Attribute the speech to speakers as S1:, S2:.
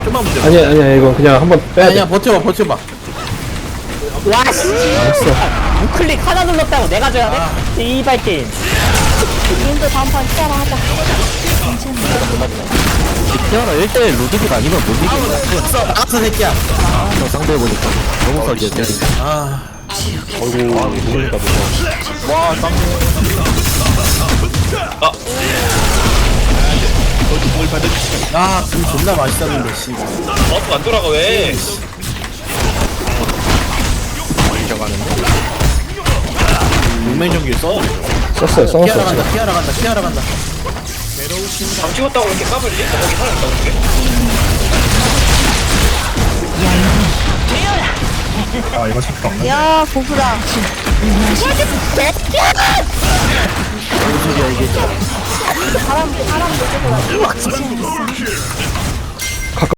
S1: 좀만 문제.
S2: 아니야 이거 그냥 한번 빼야 돼.
S1: 아니야 버텨봐.
S3: 와씨 우클릭 하나 눌렀다고 내가 줘야 돼? 이발 게임
S4: 님도 다음판 티아라 하자.
S5: 티아라 1대1 로드빅 아니면 못 이기겠다.
S1: 나왔어 새끼야.
S5: 저 상대해보니까 너무 설계했대.
S1: 아
S2: 어이구 모르니까
S5: 와 쌍둥이.
S1: 굴 존나 맛있었는데 씨.
S6: 안 돌아가 왜?
S1: 용맹전기 써.
S2: 썼어요.
S1: 피하러 간다.
S6: 방 찍었다고 이렇게 까불지? 거기 살아있다고 그게?
S4: 야, 고프다. 사람 놓쳐서